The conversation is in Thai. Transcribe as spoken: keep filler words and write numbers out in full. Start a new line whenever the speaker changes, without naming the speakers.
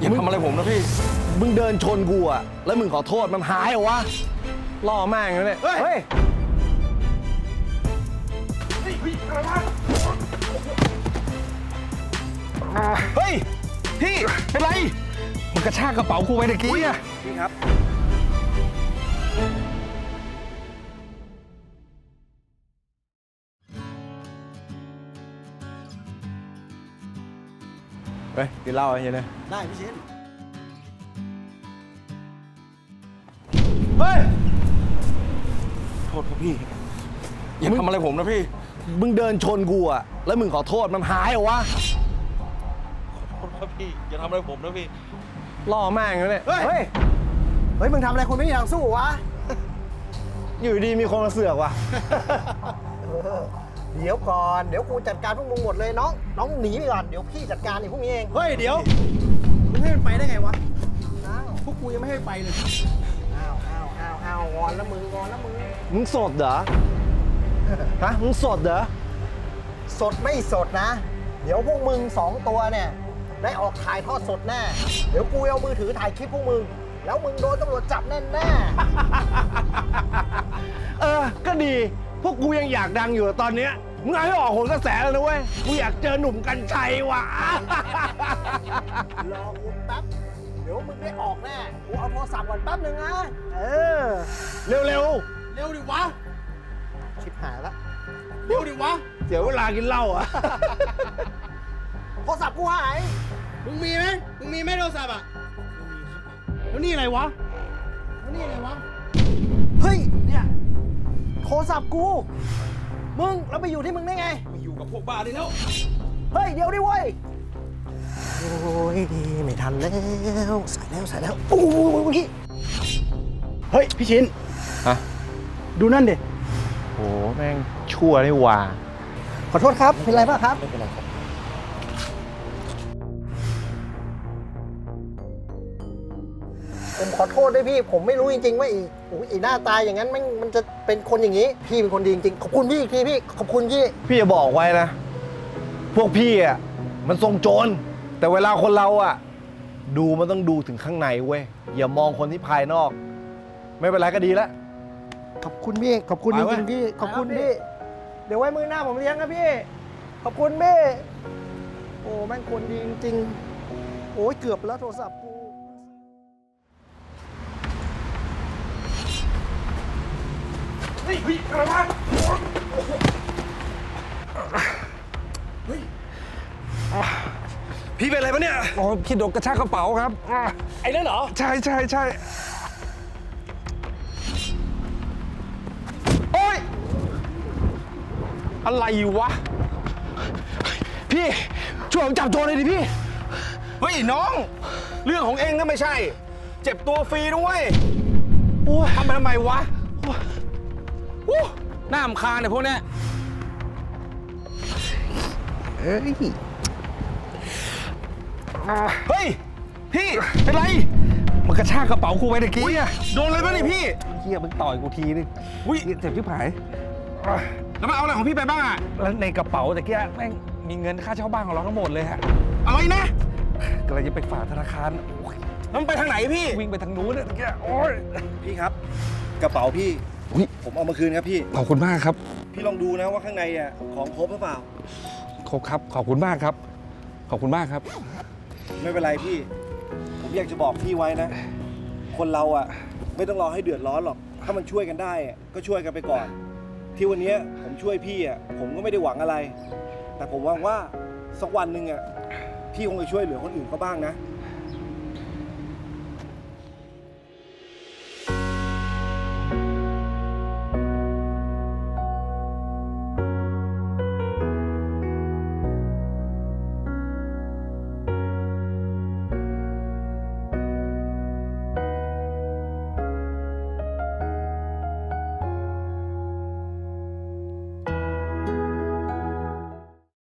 อย่าทำอะไรผมนะพี่มึงเดินชนกูอะแล้วมึงขอโทษมันหายเหรอวะล่อแม่งเลยเนี่ยเฮ้ยเฮ้ยพี่เป็นไรมันกระชากกระเป๋ากูไปตะกี้อะพี่ครับเฮ้ยกินเหล้าอะไรอย่างเงี้ยได้พี่ชินเฮ้ยโทษครับพี่อย่าทำอะไรผมนะพี่มึงเดินชนกูอะแล้วมึงขอโทษมันหายเหรอวะขอโทษครับพี่อย่าทำอะไรผมนะพี่ล่อแม่งเลยเนี่ยเฮ้ย
เฮ้ยมึงทำอะไรคนไม่มีทางสู้วะ
อยู่ดีมีคนมาเสือกว่ะ
เดี๋ยวก่อนเดี๋ยวกูจัดการพวกมึงหมดเลยน้องน้องหนีไปก่อนเดี๋ยวพี่จัดการไอ้พวกนี้เอง
เฮ้ยเดี๋ยว
มึงให้มันไปได้ไงวะพวกกูยังไม่ให้ไปเลยอ้าวอ้าวอ้าวอ้าวงอนแล้วมึงงอนแล้วมึง
มึงสดเหรอฮะมึงสดเหรอ
สดไม่สดนะเดี๋ยวพวกมึงสองตัวเนี่ยได้ออกถ่ายทอดสดแน่เดี๋ยวกูเอามือถือถ่ายคลิปพวกมึงแล้วมึงโดนตำรวจจับแน่แน่
เออก็ดีพวกกูยังอยากดังอยู่ตอนเนี้ยมึงให้ออกโหนกระแสแล้วนะเว้ยกูอยากเจอหนุ่มกัญชัยว่ะ
รอกูแป๊บเดี๋ยวมึงได้ออกแน่กูเอาโทรศัพท์ก่อนแป๊บนึงนะเออ
เร็วเร็ว
เร็วดิวะชิบหายละ
เร็วดิวะเดี๋ยวเวลากินเหล้าอ่ะ
โทรศัพท์กูหาย
มึงมีไหมมึงมีไหมโทรศัพท์อ่ะแล้วนี่อะไรวะแล้วนี่อะไรวะ
เฮ้ยเนี่ยโทรศัพท์กูมึงแล้วไปอยู่ที่มึงได้ไง
มาอยู่กับพวกบ้าได้แล้ว
เฮ้ยเดี๋ยวดิเว้ยโอ้ยไม่ทันแล้วใส่แล้วใส่แล้วโอ้ยเฮ้ยพี่ชิน
ฮะ
ดูนั่นดิ
โอ้แม่งชั่วนี่ว่า
ขอโทษครับเป็นไรบ้างครับไม่เป็นไรครับผมขอโทษด้วยพี่ผมไม่รู้จริงๆว่าอีโอ้ยอีหน้าตาอย่างนั้นมันมันจะเป็นคนอย่างนี้พี่เป็นคนดีจริงๆขอบคุณพี่อีกทีพี่ขอบคุณพี่
พี่จะบอกไว้นะพวกพี่อ่ะมันทรงโจรแต่เวลาคนเราอ่ะดูมันต้องดูถึงข้างในเว้ยอย่ามองคนที่ภายนอกไม่เป็นไรก็ดีแล้ว
ขอบคุณพี่ขอบคุณจริงๆพี่ขอบคุณพี่เดี๋ยวไว้มือหน้าผมเลี้ยงนะพี่ขอบคุณพี่โอ้แม่งคนดีจริงๆโอ้ยเกือบแล้วโทรศัพท์กู
เฮ้ยพี่อะไรวะเฮ้ยพี่เป็นอะไรปะเนี่ยอ๋อพี่โดนกระชากกระเป๋าครับไอ้นั่นเหรอใช่ใช่ใช่โอ๊ยอะไรวะพี่ช่วยผมจับโจรเลยดิพี่เฮ้ยน้องเรื่องของเองก็ไม่ใช่เจ็บตัวฟรีด้วยโอ้ยทำไปทำไมวะหน้าอำคาญเนี่ยพวกเนี้ยเฮ้ยเฮ้ยพี่เป็นไรมันกระชากกระเป๋ากูไปตะกี้อะโดนอะไรบ้างนี่พี่เฮียมึงต่อยกูทีนึงอุ้ยเจ็บชิบหายแล้วมันเอาอะไรของพี่ไปบ้างอะแล้วในกระเป๋าตะกี้แม่งมีเงินค่าเช่าบ้านของเราทั้งหมดเลยฮะอะไรนะกำลังจะไปฝากธนาคารแล้วมันไปทางไหนพี่วิ่งไปทางนู้นเนี่ยตะกี้โอ้ย
พี่ครับกระเป๋าพี่ผมเอามาคืนครับพี่
ขอบคุณมากครับ
พี่ลองดูนะว่าข้างในอ่ะของครบหรือเปล่า
ครบครับขอบคุณมากครับขอบคุณมากครับ
ไม่เป็นไรพี่ผมอยากจะบอกพี่ไว้นะคนเราอ่ะไม่ต้องรอให้เดือดร้อนหรอกถ้ามันช่วยกันได้ก็ช่วยกันไปก่อนที่วันนี้ผมช่วยพี่อ่ะผมก็ไม่ได้หวังอะไรแต่ผมหวังว่าสักวันหนึ่งอ่ะพี่คงจะช่วยเหลือคนอื่นเขาบ้างนะ